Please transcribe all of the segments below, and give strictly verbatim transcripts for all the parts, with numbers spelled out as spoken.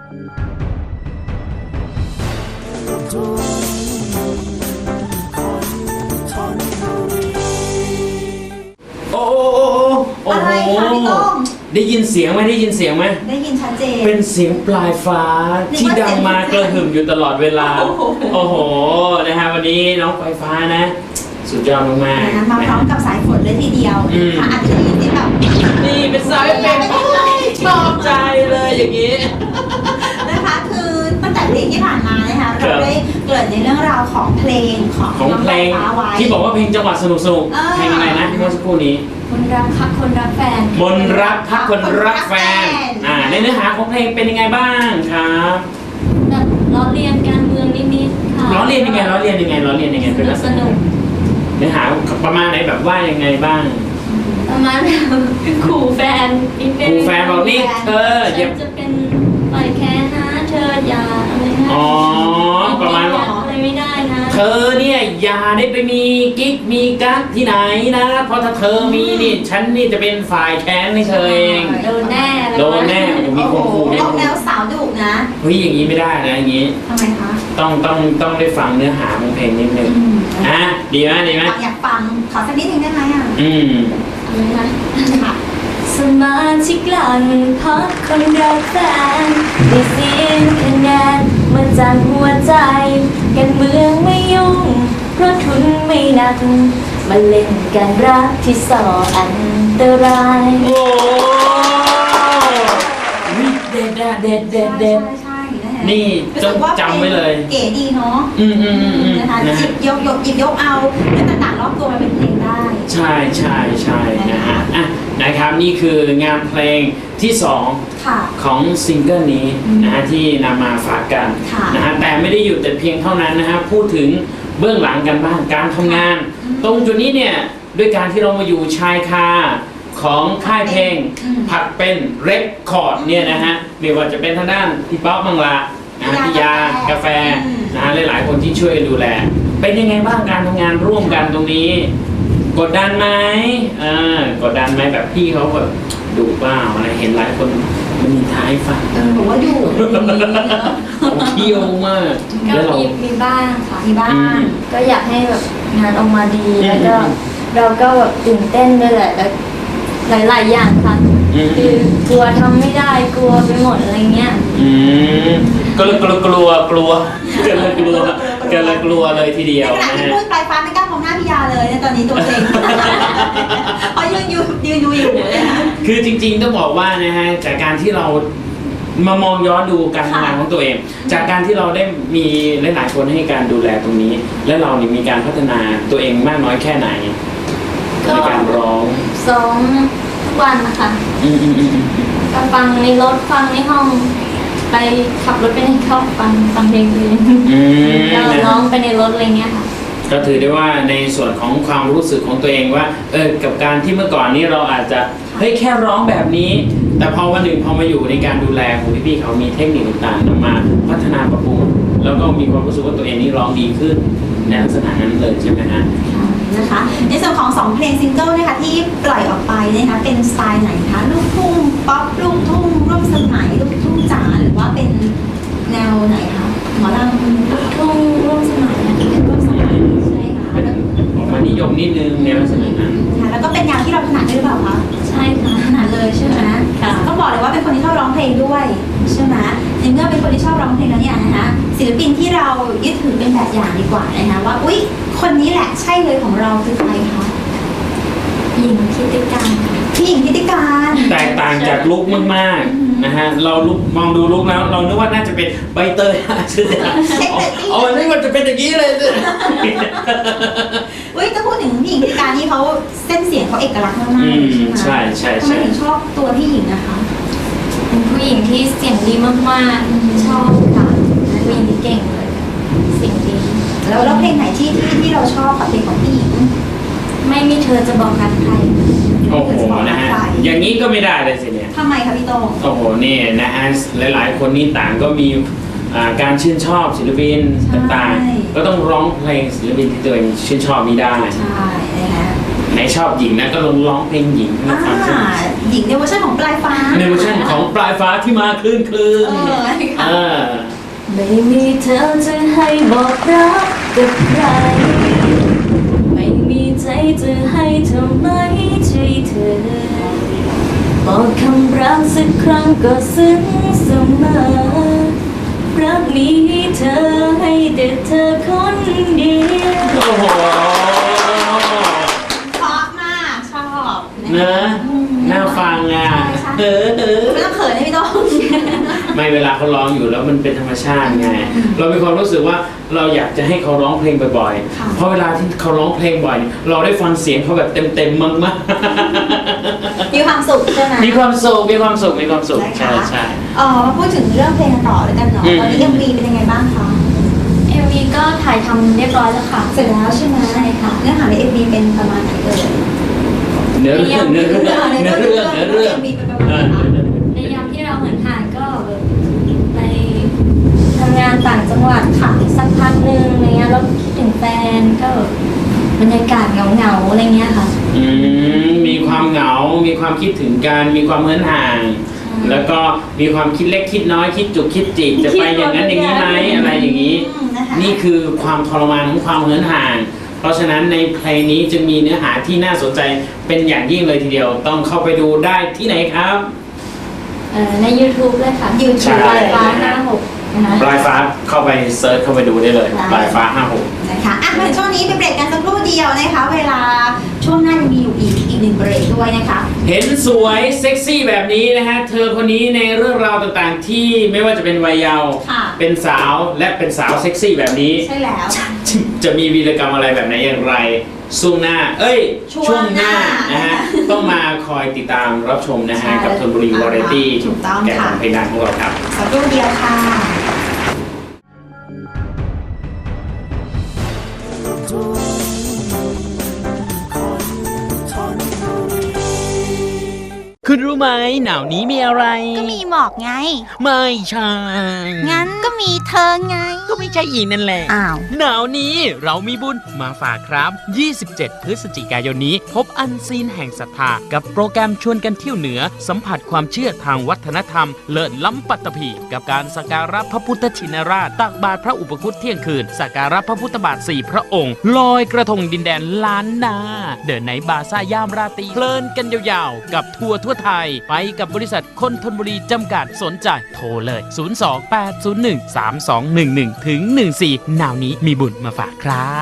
โอ้โหโอ้อะไรโหคะพี่ต้งได้ยินเสียงไหมได้ยินเสียงไหมได้ยินชัดเจนเป็นเสียงปลายฟ้าที่ดังมากระหึ่มอยู่ตลอดเวลาโอ้โหนะฮะวันนี้น้องปลายฟ้านะสุดยอดมากๆนะคะมาพร้อมกับสายฝนเลยทีเดียวค่ะอาจจะได้ยินที่แบบนี่เป็นสายเป็นชอบใจเลยอย่างนี้นะคะคือตั้งแต่เพลงที่ผ่านมานะคะเราได้เกริ่นในเรื่องราวของเพลงของของเพลงที่บอกว่าเพลงจังหวะสนุกสนุกเพลงอะไรนะที่เมื่อสักครู่นี้คนรักพักคนรักแฟนมนรักพักคนรักแฟนอ่าในเนื้อหาของเพลงเป็นยังไงบ้างครับแบบล้อเลียนการเมืองนิดๆค่ะล้อเลียนยังไงล้อเลียนยังไงล้อเลียนยังไงเป็นลักษณะเนื้อหาประมาณไหนแบบว่ายังไงบ้างประมาณขู่แฟนนิดนึงขู่แฟนบอกนี่เธอฉันจะเป็นปล่อยแค่นะเธออย่าอะไรนะอ๋อประมาณว่าอะไรไม่ได้นะเธอเนี่ยอย่าได้ไปมีกิ๊กมีกั๊กที่ไหนนะเพราะถ้าเธอมีนี่ฉันนี่จะเป็นฝ่ายแค้นให้เธอเองโดนแน่โดนแน่มีคนขู่ออกแนวสาวดุนะเฮ้ยอย่างนี้ไม่ได้นะอย่างนี้ทำไมคะต้องต้องต้องได้ฟังเนื้อหาของเพลงนิดนึงอ่ะดีไหมดีไหมอยากฟังขอสักนิดนึงได้ไหมอ่ะอืมอะไรนะสมาชิกหลังพักคนรักแฟนได้เสียงคะแนนมาจากหัวใจการเมืองไม่ยุ่งเพราะทุนไม่หนักมาเล่นการรักที่ส่ออันตรายโอ้ยเด็ดเด็ดเด็ดเด็ดเด็ดนี่ต้องจำไว้เลยเก๋ดีเนาะอืมอืมอืมนะคะหยิบยกยกหยิบยกเอาเรื่องต่างๆรอบตัวมาเป็นเพลงได้ใช่ใช่ใช่นะฮะอ่ะนะครับนี่คืองานเพลงที่สองของซิงเกิลนี้นะฮะที่นำมาฝากกันนะฮะแต่ไม่ได้อยู่แต่เพียงเท่านั้นนะฮะพูดถึงเบื้องหลังกันบ้างการทำงานตรงจุดนี้เนี่ยด้วยการที่เรามาอยู่ชายคาของค่ายเพลงผัดเป็นเรคคอร์ดเนี่ยนะฮะไม่ว่าจะเป็นทางด้านพี่ป๊อปมังละนะพี่ยากาแฟนะฮะหลายๆคนที่ช่วยดูแลเป็นยังไงบ้างการทำงานร่วมกันตรงนี้กดดันไหมอ่ากดดันไหมแบบพี่เขาแบบดุบ้าอะไรเห็นหลายคนมันมีท้ายฝันเออบอกว่าดุเที่ยวมากก็มีมีบ้างค่ะมีบ้างก็อยากให้แบบงานออกมาดีแล้วก็เราก็แบบตื่นเต้นด้วยแหละแล้วหลายๆอย่างค่ะคือกลัวทำไม่ได้กลัวไปหมดอะไรเงี้ยอืมก็เลยกลัวกลัวกลัวก็เลยกลัวก็เลยกลัวเลยทีเดียวนะฮะพูดปลายฟ้าไม่กล้ามองหน้าพี่ยาเลยในตอนนี้ตัวเองเพราะยืนอยู่ยืนดูอยู่เลยค่ะคือจริงๆต้องบอกว่านะฮะจากการที่เรามามองย้อนดูการทำงานของตัวเองจากการที่เราได้มีหลายๆคนให้การดูแลตรงนี้และเรานี่มีการพัฒนาตัวเองมากน้อยแค่ไหนในการร้องซ้อมทุกวันนะคะก็ฟังในรถฟังในห้องไปขับรถไปในเข้าฟังฟังเพลงเองแล้วร้องไปในรถอะไรเงี้ยค่ะก็ถือได้ว่าในส่วนของความรู้สึกของตัวเองว่าเออกับการที่เมื่อก่อนนี้เราอาจจะเฮ้ยแค่ร้องแบบนี้แต่พอวันหนึ่งพอมาอยู่ในการดูแลของพี่ๆเขามีเทคนิคต่างๆนำมาพัฒนาปรับปรุงแล้วก็มีความรู้สึกว่าตัวเองนี่ร้องดีขึ้นในลักษณะนั้นเลยใช่ไหมฮะนะคะในส่วนของสองเพลงซิงเกิลนะคะที่ปล่อยออกไปนะคะเป็นสไตล์ไหนคะลูกทุ่งป๊อปลูกทุ่งร่วมสมัยลูกทุ่งจ๋าหรือว่าเป็นแนวไหนคะหมอลำลูกทุ่งร่วมสมัยเป็นร่วมสมัยใช่ค่ะออกมานิยมนิดนึงในลักษณะนั้นค่ะแล้วก็เป็นแนวที่เราถนัดด้วยหรือเปล่าคะใช่ค่ะถนัดเลยใช่ไหมค่ะต้องบอกเลยว่าเป็นคนที่ชอบร้องเพลงด้วยใช่ไหมในเมื่อเป็นคนที่ชอบร้องเพลงแล้วเนี่ยนะคะศิลปินที่เรายึดถือเป็นแบบอย่างดีกว่านะคะว่าอุ๊ยคนนี้แหละใช่เลยของเราคือใครคะหญิงทิติการพี่หญิงทิติการแตกต่างจากลุคมากๆนะฮะเราลุกมองดูลุกแล้วเรานึกว่าน่าจะเป็นใบเตยใช่ไหมเอาอันนี้มันจะเป็นอย่างนี้เลยเฮ้ยจะพูดถึงพี่หญิงทิติการนี่เขาเส้นเสียงเขาเอกลักษณ์มากๆใช่ใช่ใช่ทำไมถึงชอบตัวพี่หญิงนะคะเป็นผู้หญิงที่เสียงดีมากๆชอบค่ะผู้หญิงที่เก่งเลยเสียงดีแล้วแล้วเพลงไหนที่ที่ที่เราชอบกับเพลงของพี่หญิงไม่มีเธอจะบอกกันใครโอ้โหนะฮะอย่างนี้ก็ไม่ได้เลยสิเนี่ยทำไมคะพี่โต้งโอ้โหนี่นะฮะหลายๆคนนี่ต่างก็มีการชื่นชอบศิลปินต่างๆก็ต้องร้องเพลงศิลปินที่ตัวเองชื่นชอบนี้ได้ใช่นะฮะไหนชอบหญิงนะก็ลองร้องเพลงหญิงให้อ่าฟังสิหญิงในเวอร์ชันของปลายฟ้าในเวอร์ชันของปลายฟ้าที่มาคลื่นคลื่นเออค่ะเออไม่มีเธอจะให้บอกรักกับใครไม่มีใจจะให้เธอไม่ใช่เธอบอกคำรักสักครั้งก็ซึ้งเสมอรักมีให้เธอให้แต่เธอคนเดียวโอ้โหเพราะมากชอบเนอะน่าฟังอ่ะใช่เออเออไม่ต้องเขินนะพี่โต้งไม่เวลาเขาร้องอยู่แล้วมันเป็นธรรมชาติไง เรามีความรู้สึกว่าเราอยากจะให้เขาร้องเพลงบ่อยค่ะๆ เพราะเวลาที่เขาร้องเพลงบ่อยเนี่ยเราได้ฟังเสียงเขาแบบเต็มๆมากมีความสุขใช่ไหมๆ มีความสุข มีความสุข มีความสุขนะคะใช่ใช่เออมาพูดถึงเรื่องเพลงกันต่อเลยกันเนาะอืมตอนนี้เอ็มวีเป็นยังไงบ้างคะเอ็มวีก็ถ่ายทำเรียบร้อยแล้วค่ะเสร็จแล้วใช่ไหมใช่ค่ะเนื้อหาในเอ็มวีเป็นประมาณไหนเอ่ยเนื้อเรื่องเนื้อเรื่องเนื้อเรื่องเนื้อเรื่องเอ็มวีเป็นประเอมาณอไหนในยามที่เราเหมือนห่างก็แบบไปทำงานต่างจังหวัดค่ะสักพักหนึ่งอะไรเงี้ยแล้วคิดถึงแฟนก็บรรยากาศเหงาๆอะไรเงี้ยค่ะอืมมีความเหงา มีความคิดถึงกัน มีความเหินห่าง แล้วก็มีความคิดเล็กคิดน้อย คิดจุกคิดจิก จะไปอย่างนั้นอย่างนี้ไหมอะไรอย่างนี้อืมนะคะนี่คือความทรมานของความเหินห่าง เพราะฉะนั้นในเพลงนี้จึงมีเนื้อหาที่น่าสนใจเป็นอย่างยิ่งเลยทีเดียว ต้องเข้าไปดูได้ที่ไหนครับเอ่อใน YouTube เลยค่ะ YouTube ใช่ปลายฟ้าหน้าหกนะคะปลายฟ้าเข้าไปเซิร์ชเข้าไปดูได้เลย ปลายฟ้าห้าหกนะคะอ่ะมาถึงช่วงนี้ไปเบรกกันสักครู่เดียวนะคะ เวลาช่วงหน้ายังมีอยู่อีกอีกหนึ่งเบรกด้วยนะคะเห็นสวยเซ็กซี่แบบนี้นะฮะ เธอคนนี้ในเรื่องราวต่างๆ ที่ไม่ว่าจะเป็นวัยเยาว์ค่ะเป็นสาวและเป็นสาวเซ็กซี่แบบนี้ใช่แล้วจะมีวีรกรรมอะไรแบบไหนอย่างไรช่วงหน้า เอ้ยช่วงหน้านะฮะ ต้องมาคอยติดตามรับชมนะใช่ฮะ กับธนบุรีวาไรตี้ถูกต้องแก่ขค่ะองเพลงดังของเราครับสักครู่เดียวค่ะคุณรู้ไหมหนาวนี้มีอะไรก็มีหมอกไงไม่ใช่งั้นก็มีเธอไงก็ไม่ใช่อีนั่นแหละอ้าวหนาวนี้เรามีบุญมาฝากครับ ยี่สิบเจ็ด พฤศจิกายนนี้ พบอันซีนแห่งศรัทธากับโปรแกรมชวนกันเที่ยวเหนือ สัมผัสความเชื่อทางวัฒนธรรม เลิศล้ำปัตตภีกับการสักการะพระพุทธชินราช ตักบาตรพระอุปคุตเที่ยงคืน สักการะพระพุทธบาทสี่พระองค์ ลอยกระทงดินแดนล้านนา เดินในบาซ่ายามราตรีเพลินกันยาวๆ กับทัวร์ทั่วไทย ไปกับบริษัทคนธนบุรีจำกัดสนใจโทรเลย ศูนย์ สอง แปด ศูนย์ หนึ่ง สาม สอง หนึ่ง หนึ่ง ถึง หนึ่ง สี่ หนาวนี้มีบุญมาฝากครับ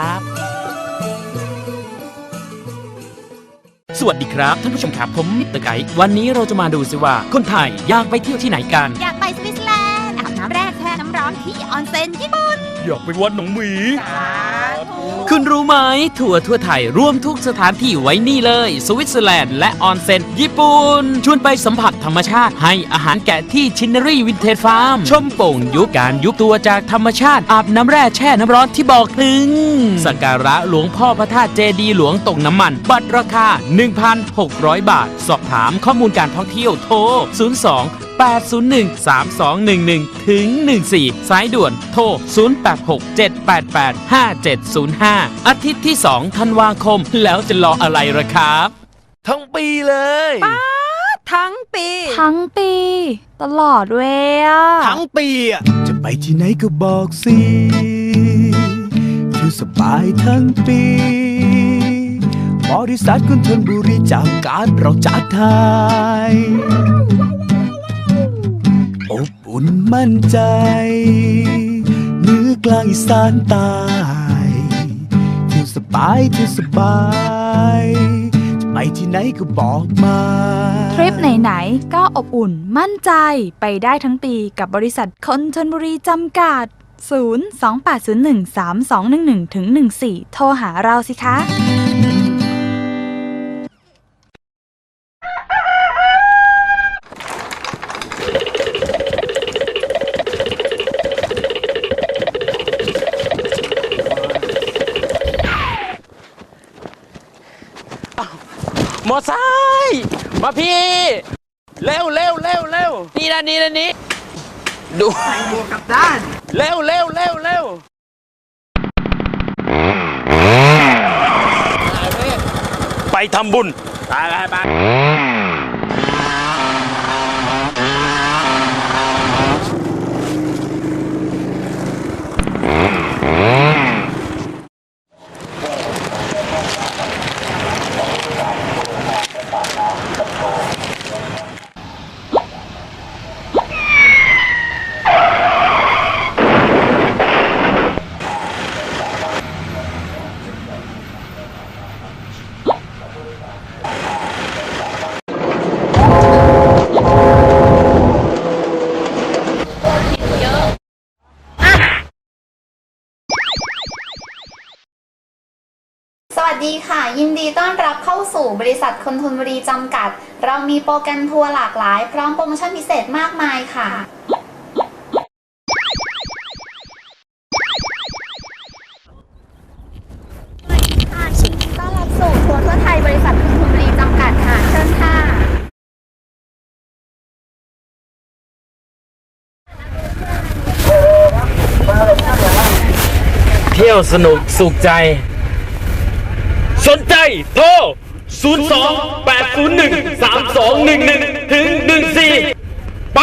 สวัสดีครับท่านผู้ชมครับผมมิสเตอร์ไกด์วันนี้เราจะมาดูสิว่าคนไทยอยากไปเที่ยวที่ไหนกันอยากไปสวิตเซอร์แลนด์อาบน้ำแร่แช่น้ำร้อนที่ออนเซ็นญี่ปุ่นอยากไปวัดหนองหมี คุณรู้ไหมทัวร์ทั่วไทยรวมทุกสถานที่ไว้นี่เลย สวิตเซอร์แลนด์และออนเซ็นญี่ปุ่น ชวนไปสัมผัสธรรมชาติให้อาหารแกะที่ชินนารีวินเทจฟาร์ม ชมโป่งยุบการยุบตัวจากธรรมชาติอาบน้ำแร่แช่น้ำร้อนที่บอกถึง สักการะหลวงพ่อพระธาตุเจดีย์หลวงตกน้ำมัน บัตรราคา หนึ่งพันหกร้อย บาท สอบถามข้อมูลการท่องเที่ยวโทร ศูนย์ สอง แปด ศูนย์ หนึ่ง สาม สอง หนึ่ง หนึ่ง ถึง หนึ่ง สี่ สายด่วนโทร ศูนย์ แปด หก เจ็ด แปด แปด ห้า เจ็ด ศูนย์ ห้า อาทิตย์ที่ สอง ธันวาคม แล้วจะรออะไรล่ะครับทั้งปีเลยทั้งปีทั้งปี ตลอดเว้ยอะทั้งปีอ่ะ จะไปที่ไหนก็บอกสิคือสบายทั้งปี บริษัทคุณธนบุรีจำการเราจัดไทยอบอุ่นมั่นใจเหนือกลางอีสานใต้เที่ยวสบายเที่ยวสบายจะไปที่ไหนก็บอกมาทริปไหนๆก็อบอุ่นมั่นใจไปได้ทั้งปีกับบริษัทคนธนบุรีจำกัด ศูนย์ สอง แปด ศูนย์ หนึ่ง สาม สอง หนึ่ง หนึ่ง ถึง หนึ่ง สี่ โทรหาเราสิคะมอไซค์มาพี่ เร็วเร็วเร็วเร็วนี่นะนี่นะนี่ดูใส่หมวกกับด้านเร็วเร็วเร็วเร็วไปทำบุญไปไปไปสวัสดีค่ะยินดีต้อนรับเข้าสู่บริษัทคนทนบุรีจำกัดเรามีโปรแกรมทัวร์หลากหลายพร้อมโปรโมชั่นพิเศษมากมายค่ะยินดีต้อนรับสู่ทัวร์ทั่วไทยบริษัทคนทนบุรีจำกัดค่ะเชิญค่ะเที่ยวสนุกสุขใจ สนใจโทร ศูนย์ สอง แปด ศูนย์ หนึ่ง สาม สอง หนึ่ง หนึ่ง ถึง หนึ่ง สี่ ไป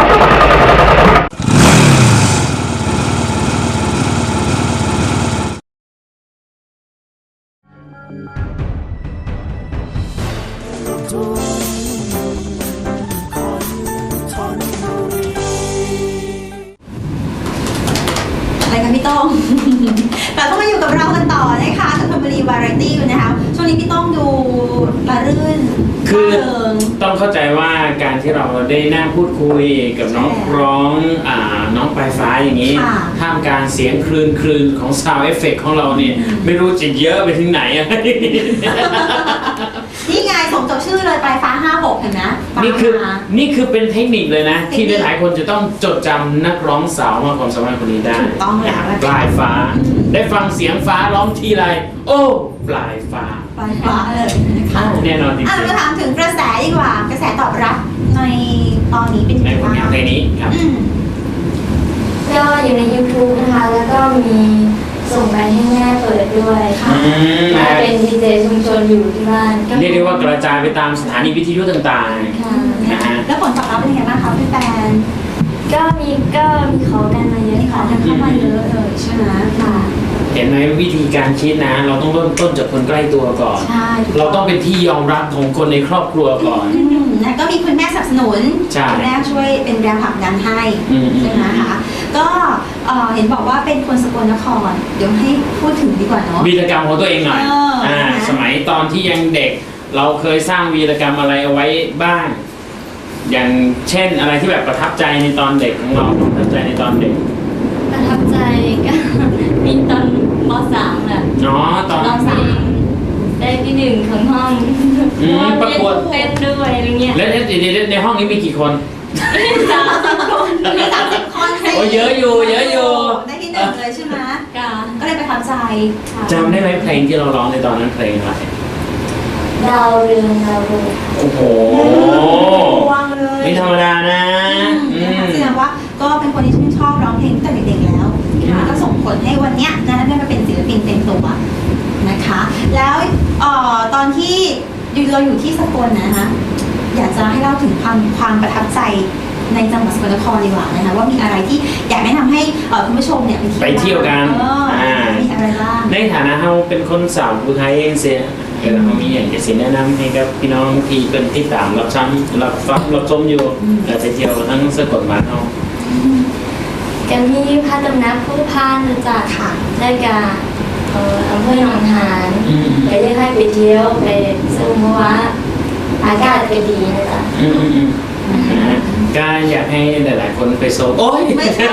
อะไรกันพี่ต้อง เราต้องมาอยู่กับเรากันต่อนะคะกับธนบุรีวาไรตี้นะคะช่วงนี้พี่ต้องดูระรื่นคือร่าเริงต้องเข้าใจว่าการที่เราได้นั่งพูดคุยกับน้องร้องอ่าน้องปลายฟ้าอย่างนี้ค่ะท่ามกลางเสียงคลืนคลืนของ sound effect ของเราเนี่ยไม่รู้จะเยอะไปถึงไหนอะนี่ไงสมกับชื่อเลยปลายฟ้าห้าหกเห็นไหมฟ้านี่คือมานี่คือเป็นเทคนิคเลยนะเทคนิคที่หลายๆคนจะต้องจดจำนักร้องสาวมากความสามารถคนนี้ได้ถูกต้องแล้วนะปลายฟ้า ได้ฟังเสียงฟ้าร้องทีไรโอ้ปลายฟ้าปลายฟ้าเลยนะคะแน่นอนจริงอ่ะเราๆมาถามถึงกระแสดีกว่ากระแสตอบรับในตอนนี้เป็นยังในไงผลบ้างงานเพลงนี้ครับอืมก็อยู่ใน ยูทูบ นะคะ แล้วก็มีส่งไปให้แม่เปิดด้วยค่ะอืมแม่เป็นดีเจชุมชนอยู่ที่บ้านเรียกได้ว่ากระจายไปตามสถานีวิทยุต่างค่ะๆนะฮะแล้วผลตอบรับเป็นยังไงบ้างคะพี่แฟนก็มีก็มีขอกันมาเยอะมีขอค่ะกันเข้ามาเยอะเลยใช่ไหมค่ะเห็นไหมวิธีการคิดนะ เราต้องเริ่มต้นจากคนใกล้ตัวก่อนใช่ถูกเราต้องเป็นที่ยอมรับของคนในครอบครัวก่อนอืมแล้วก็มีคุณแม่สนับสนุนใช่คุณแม่ช่วยเป็นแรงผลักดันให้อืมใช่ไหมคะก็เอ่อเห็นบอกว่าเป็นคนสกลนคร เดี๋ยวให้พูดถึงดีกว่าเนาะวีรกรรมของตัวเองหน่อยเอออ่านะสมัยตอนที่ยังเด็ก เราเคยสร้างวีรกรรมอะไรเอาไว้บ้าง อย่างเช่นอะไรที่แบบประทับใจในตอนเด็กของเราประทับใจในตอนเด็กประทับใจก็ มีตอนม .สาม แหละอ๋อตอนร้องเพลงได้ที่หนึ่งของห้องอืมประกวดเต้นด้วยอะไรเงี้ยแล้วในในในห้องนี้มีกี่คนสามสิบคนมีสามสิบคนสิโอ้เยอะอยู่เยอะอยู่ได้ที่หนึ่งเลยใช่ไหมค่ะก็เลยประทับใจจำได้ไหมเพลงที่เราร้องในตอนนั้นเพลงอะไรดาวเรืองดาวเรืองโอ้โหวางเลยไม่ธรรมดานะอือืมมแสดงว่าก็เป็นคนที่ชื่นชอบร้องเพลงตั้งแต่เด็กๆแล้วค่ะก็ส่งผลให้วันเนี้ยนะได้มาเป็นศิลปินเต็มตัวนะคะ แล้วเอ่อตอนที่อยู่เราอยู่ที่สกลนะคะ อยากจะให้เล่าถึงความความประทับใจในจังหวัดสกลนครดีกว่านะคะว่ามีอะไรที่อยากแนะนำให้เอ่อคุณผู้ชมเนี่ยไปเที่ยวกันเอออ่ามีอะไรบ้างในฐานะเราเป็นคนสาวผู้ไทยเองเสียเออเรามีอย่างจะสิแนะนำให้กับพี่น้องที่เป็นที่ตามรับชมรับฟังรับชมอยู่เออไปเที่ยวทั้งสกลบ้านเรากันที่พระตำหนักผู้พานนะจ๊ะค่ะได้กับเอ่ออำเภอหนองหานอืมไปได้ให้ไปเที่ยวไปชมเพราะว่าอากาศก็ดีนะจ๊ะอืมอืมอืมนะฮะก็อยากให้หลาย ๆ คนไปโซโอ้ยไม่ใช่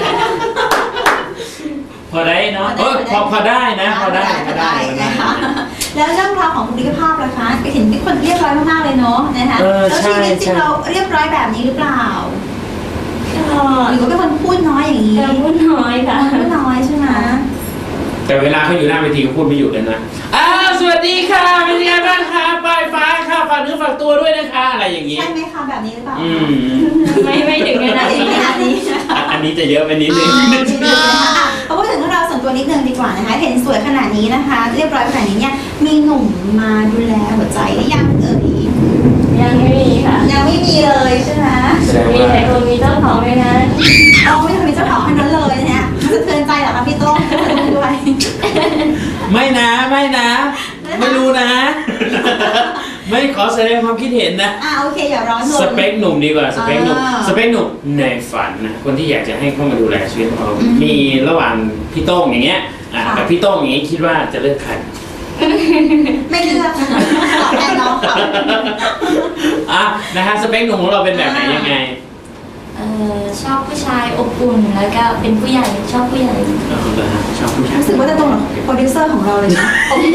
พอได้เนาะพอได้เออพอพอได้นะพอได้พพออได้ได้พอได้นะคะแล้วเรื่องราวของบุคลิกภาพล่ะคะเห็นเป็นคนเรียบร้อยมากๆเลยเนาะนะคะเออแล้วใช่ชีวิตจริใช่งเราเรียบร้อยแบบนี้หรือเปล่าก็หรือว่าเป็นคนพูดน้อยอย่างนี้จะพูดน้อยค่ะพูดน้อยใช่ไหมแต่เวลาเขาอยู่หน้าเวทีเขาพูดไม่หยุดเลยนะอ้าวสวัสดีค่ะเป็นยังไงบ้างคะปลายฟ้าค่ะฝากเนื้อฝากตัวด้วยนะคะอะไรอย่างนี้ใช่ไหมคะแบบนี้หรือเปล่าอืมไม่ไม่ถึงขนาดไม่นี้ขนาดนี้อ่ะอันนี้จะเยอะไปนิดนึงอ่านิดนึงนะคะอ่ะพอพูดถึงเรื่องราวส่วนตัวนิดนึงดีกว่านะคะเห็นสวยขนาดนี้นะคะ เรียบร้อยขนาดนี้เนี่ยมีหนุ่มมาดูแลหัวใจหรือยังเอ่ยยังไม่มีค่ะยังไม่มีเลยใช่ไหมมีแต่คนมีเจ้าของไหมนะเอาไม่ทำเป็นเจ้าของคนนั้นเลยเนี่ยสะเทือนใจเหรอคะพี่โต้งด้วยไม่นะไม่นะ ไม่รู้นะ ไม่ขอแสดงความคิดเห็นนะอ่าโอเคอย่าร้อนรนสเปคหนุ่มดีกว่าสเปคหนุ่มอ่าสเปคหนุ่มในฝันนะคนที่อยากจะให้เข้ามาดูแลชีวิตของเราอืมมีระหว่างพี่โต้งอย่างเงี้ยอ่ะค่ะกับพี่โต้งอย่างงี้คิดว่าจะเลือกใครไม่เลือกนะคะตอบแทนน้องเขาอ่ะนะฮะสเปคหนุ่มของเราเป็นแบบไหนยังไงเอ่อชอบผู้ชายอบอุ่นแล้วก็เป็นผู้ใหญ่ชอบผู้ใหญ่เอาละฮะชอบผู้ชายรู้สึกว่าจะตรงกับโปรดิวเซอร์ของเราเลยนะโอ้โห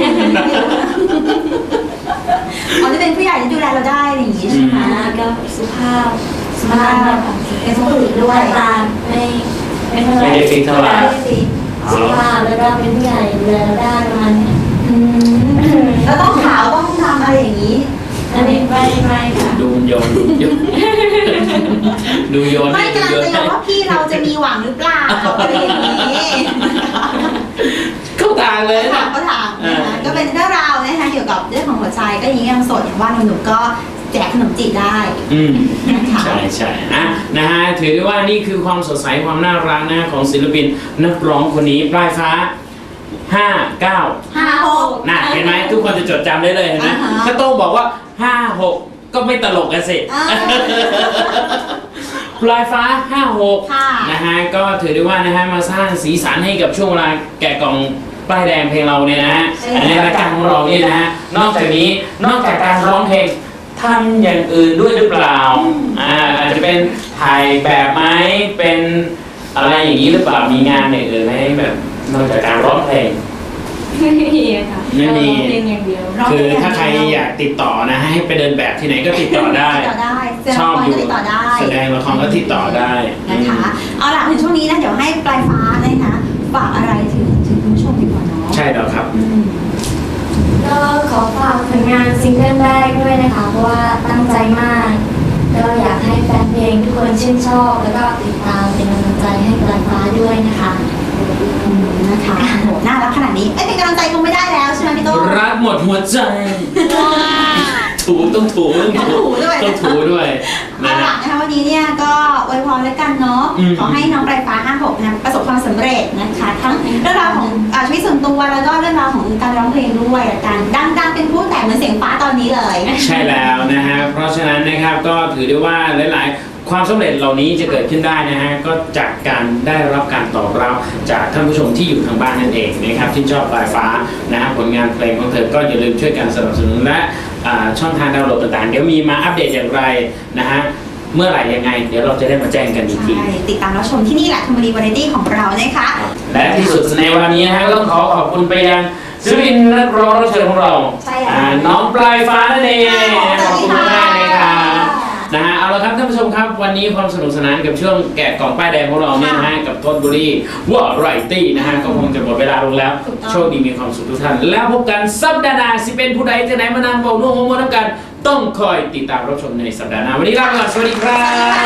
อ๋อจะเป็นผู้ใหญ่ที่ดูแลเราได้อะไรอย่างงี้ใช่ไหมแล้วก็สุภาพสุภาพนะคะเป็นสุภาพด้วยตาไม่ไม่เท่าไหร่ไม่ได้ฟิกเท่าไหร่ได้สิสุภาพแล้วก็เป็นผู้ใหญ่ดูแลเราได้ประมาณนี้อืมแล้วต้องขาวต้องทำอะไรอย่างนี้อันนี้ไม่ไม่ค่ะดูโยนดูโยนดูโยนไม่ดูกำลังโยนจะยอมว่าพี่เราจะมีหวังหรือเปล่าอะไรอย่างนี้เข้าทางเลยถานะมก็ถามนะคะก็เป็นเรื่องราวนะคะเกี่ยวกับเรื่องของหัวใจก็ยังยังโสดอย่างว่าหนุ่มๆก็แจกขนมจีบได้อืมนะคะใช่ใช่อ่ะนะฮะถือได้ว่านี่คือความสดใสความน่ารักนะของศิลปินนักร้องคนนี้ปลายฟ้าห้าเก้าห้าหกน่ะเห็นไหมทุกคนจะจดจำได้เลยเห็นไหมอ่าฮะถ้าโต้งบอกว่าห้าหกก็ไม่ตลกกันสิอ่าปลายฟ้าห้าหกค่ะนะฮะก็ถือได้ว่านะฮะมาสร้างสีสันให้กับช่วงเวลาแกะกล่องป้ายแดงเพลงเราเนี่ยนะฮะในรายการของเราเนี่ยนะฮะนอกจากนี้นอกจากการร้องเพลงทำอย่างอื่นด้วยหรือเปล่าอ่าอาจจะเป็นถ่ายแบบไหมเป็นอะไรอย่างนี้หรือเปล่ามีงานอย่างอื่นไหมแบบนอกจากการร้องเพลงไม่มีค่ะไม่มีเราร้องเพลงอย่างเดียวร้องคือเพลงถ้าใครอยากติดต่อนะให้ไปเดินแบบที่ไหนก็ติดต่อได้ติดต่อได้แสดงชอบละครอยู่ก็ติดต่อได้แสดงละครก็ติดต่อได้นะคะ เอาล่ะถึงช่วงนี้นะเดี๋ยวให้ปลายฟ้านะคะฝากอะไรถึงถึงคุณผู้ชมดีกว่าเนาะใช่แล้วครับอืมก็ขอฝากผลงานซิงเกิลแรกด้วยนะคะ เพราะว่าตั้งใจมาก ก็อยากให้แฟนเพลงทุกคนชื่นชอบ แล้วก็ติดตามเป็นกำลังใจให้ปลายฟ้าด้วยนะคะอืมนะคะโหน่ารักขนาดนี้เอ้ยเป็นกำลังใจคงไม่ได้แล้วใช่ไหมพี่โต้งรักหมดหัวใจ ถูต้องถูต้องถูต้องถูด้วยต้องถูด้วยเอานะล่ะฮะนะคะวันนี้เนี่ยก็อวยพรแล้วกันเนาะอืมขอให้น้องปลายฟ้าห้าหกนะประสบความสำเร็จนะคะ ทั้งเรื่องราวของอาชีวิตส่วนตัวแล้วก็เรื่องราวของการร้องเพลงด้วยละกันดังๆเป็นผู้แต่เหมือนเสียงฟ้าตอนนี้เลยใช่แล้วนะฮะเพราะฉะนั้นนะครับก็ถือได้ว่าหลาย ๆ ความสำเร็จเหล่านี้จะเกิดขึ้นได้นะฮะก็จากการได้รับการตอบรับจากท่านผู้ชมที่อยู่ทางบ้านนั่นเองนะครับที่ชอบปลายฟ้านะฮะผลงานเพลงของเธอก็อย่าลืมช่วยกันสนับสนุนและอ่าช่องทางดาวน์โหลดต่างๆเดี๋ยวมีมาอัปเดตอย่างไรนะฮะเมื่อไหร่ยังไง เดี๋ยวเราจะได้มาแจ้งกันอีกทีใช่ติดตามรับชมที่นี่แหละธรรมดีวาไรตี้ของเรานะคะและที่สุดในวันนี้นะฮะต้องขอขอบคุณไปยังศิลปินนักร้องรับเชิญของเราใช่แล้วอ่าน้องปลายฟ้านั่นเองค่ะขอบคุณสวัสดีมากค่ะเลยครับนะฮะเอาละครับท่านผู้ชมครับวันนี้ความสนุกสนานกับช่วงแกะกล่องป้ายแดงของเราเนี่ยนะฮะกับทนบุรีวอไรตี้นะฮะก็คงจะหมดเวลาลงแล้วถูกต้องโชคดีมีความสุขทุกท่าน แล้วพบกันสัปดาห์หน้าสิเป็นผู้ใดจะไหนมานานบอกนุ่งหัวน้ำกัน ต้องคอยติดตามรับชมในสัปดาห์หน้าวันนี้ลาไปก่อนสวัสดีครับ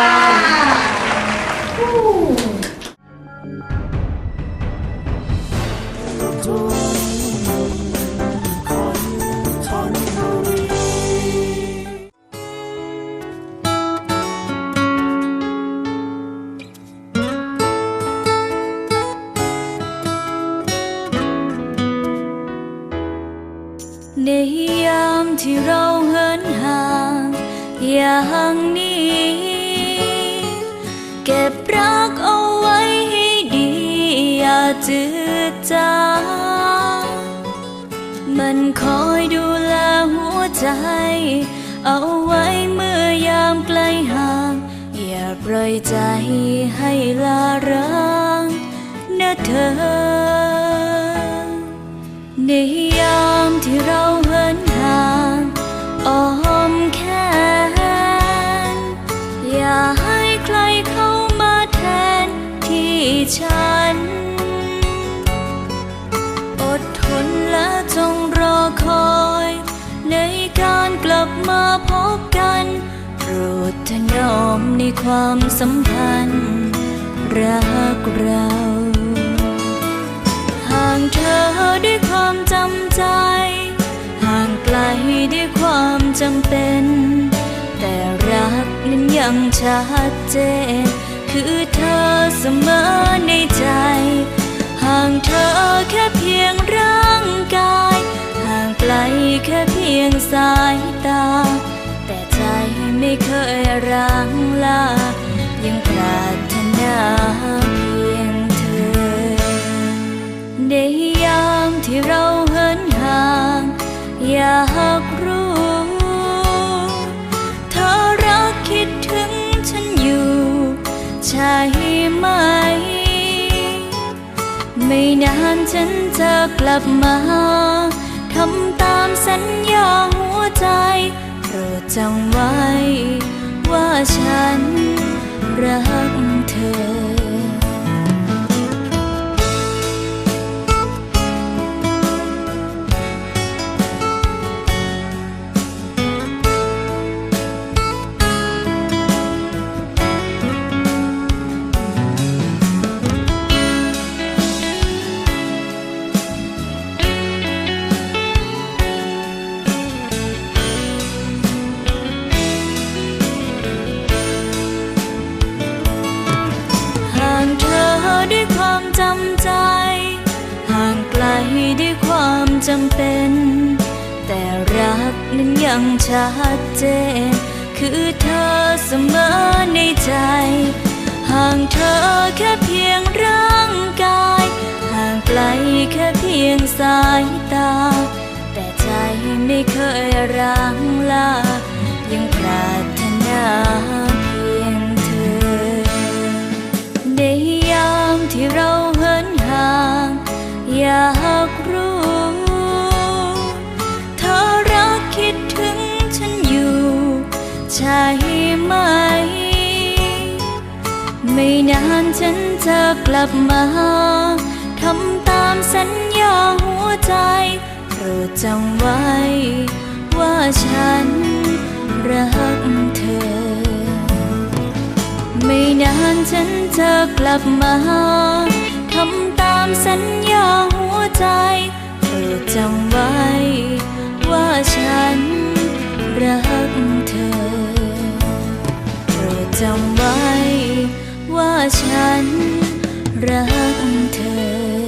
ในยามที่เราเหินห่างอย่างนี้ เก็บรักเอาไว้ให้ดีอย่าจืดจางมันคอยดูแลหัวใจเอาไว้เมื่อยามไกลห่างอย่าปล่อยใจให้ลาร้างนะเธอในยามที่เราเหินห่างอ้อมแขนอย่าให้ใครเข้ามาแทนที่ฉันอดทนและจงรอคอยในการกลับมาพบกันโปรดถนอมในความสัมพันธ์รักเราหด้วยความจำใจห่างไกลด้วยความจำเป็นแต่รักนั้นยังชัดเจนคือเธอเสมอในใจห่างเธอแค่เพียงร่างกายห่างไกลแค่เพียงสายตาแต่ใจไม่เคยร้างลายังปรารถนาเพียงเธอในยามที่เราเหินห่างอยากรู้เธอรักคิดถึงฉันอยู่ใช่ไหมไม่นานฉันจะกลับมาทำตามสัญญาหัวใจโปรดจำไว้ว่าฉันรักเธอด้วยความจำใจห่างไกลด้วยความจำเป็นแต่รักนั้นยังชัดเจนคือเธอเสมอในใจห่างเธอแค่เพียงร่างกายห่างไกลแค่เพียงสายตาแต่ใจไม่เคยร้างลายังปรารถนาเพียงเธอในยามที่เราเหินห่างอยากรู้เธอรักคิดถึงฉันอยู่ใช่ไหมไม่นานฉันจะกลับมาทำตามสัญญาหัวใจโปรดจำไว้ว่าฉันรักเธอไม่นานฉันจะกลับมาทำตามสัญญาหัวใจโปรดจำไว้ว่าฉันรักเธอโปรดจำไว้ว่าฉันรักเธอ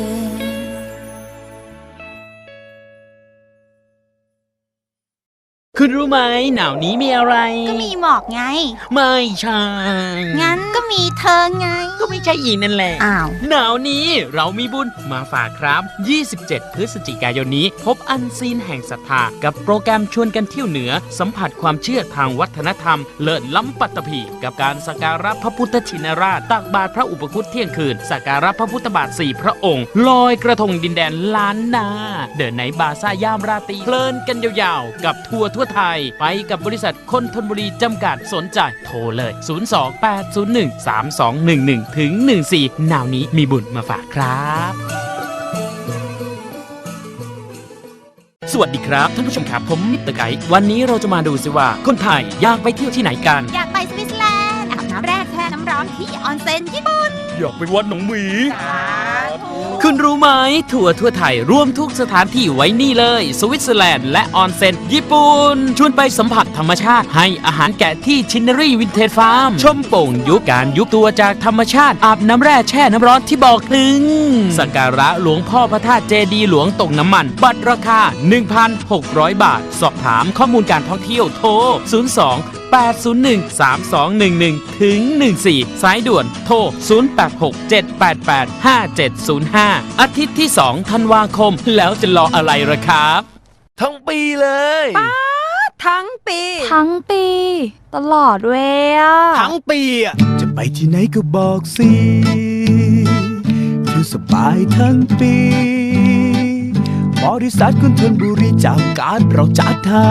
คุณรู้ไหมหนาวนี้มีอะไรก็มีหมอกไงไม่ใช่งั้นก็มีเธอไงก็ไม่ใช่อีกนั่นแหละอ้าวหนาวนี้เรามีบุญมาฝากครับยี่สิบเจ็ดพฤศจิกายนนี้พบอันซีนแห่งศรัทธากับโปรแกรมชวนกันเที่ยวเหนือสัมผัสความเชื่อทางวัฒนธรรมเลิศล้ำปัตตภีกับการสักการะพระพุทธชินราชตักบาตรพระอุปคุตเที่ยงคืนสักการะพระพุทธบาทสี่พระองค์ลอยกระทงดินแดนล้านนาเดินในบาซ่ายามราตรีเพลินกันยาวๆกับทัวร์ทั่วไทยไปกับบริษัทคนธนบุรีจำกัดสนใจโทรเลยศูนย์ สอง แปด ศูนย์ หนึ่ง สาม สอง หนึ่ง หนึ่ง ถึง หนึ่ง สี่หนาวนี้มีบุญมาฝากครับสวัสดีครับท่านผู้ชมครับผมมิสเตอร์ไกด์วันนี้เราจะมาดูสิว่าคนไทยอยากไปเที่ยวที่ไหนกันอยากไปสวิตเซอร์แลนด์อาบน้ำแร่แช่น้ำร้อนที่ออนเซ็นญี่ปุ่นอยากไปวัดหนองหมีคุณรู้ไหมทัวร์ทั่วไทยรวมทุกสถานที่ไว้นี่เลยสวิตเซอร์แลนด์และออนเซ็นญี่ปุ่นชวนไปสัมผัสธรรมชาติให้อาหารแกะที่ชินเนอรี่วินเทจฟาร์มชมโป่งยุบการยุบตัวจากธรรมชาติอาบน้ำแร่แช่น้ำร้อนที่บอกถึงสักการะหลวงพ่อพระธาตุเจดีย์หลวงตกน้ำมันบัตรราคา หนึ่งพันหกร้อย บาทสอบถามข้อมูลการท่องเที่ยวโทรศูนย์ สอง แปด ศูนย์ หนึ่ง สาม สอง หนึ่ง หนึ่ง ถึง หนึ่ง สี่สายด่วนโทรศูนย์ แปด หก เจ็ด แปด แปด ห้า เจ็ด ศูนย์ ห้าอาทิตย์ที่สองธันวาคมแล้วจะรออะไรล่ะครับทั้งปีเลยป้าทั้งปีทั้งปีตลอดเว้ยทั้งปีอ่ะจะไปที่ไหนก็บอกสิคือสบายทั้งปีบริษัทคนธนบุรีจำกัดเราจัดให้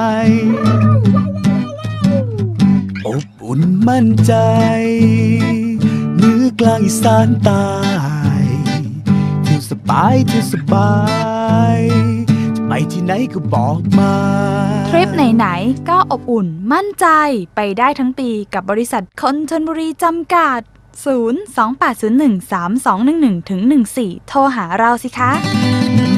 อบอุ่นมั่นใจเหนือกลางอีสานใต้เที่ยวสบายเที่ยวสบายจะไปที่ไหนก็บอกมาทริปไหนๆก็อบอุ่นมั่นใจไปได้ทั้งปีกับบริษัทคนธนบุรีจำกัดศูนย์ สอง แปด ศูนย์ หนึ่ง สาม สอง หนึ่ง หนึ่ง ถึง หนึ่ง สี่โทรหาเราสิคะ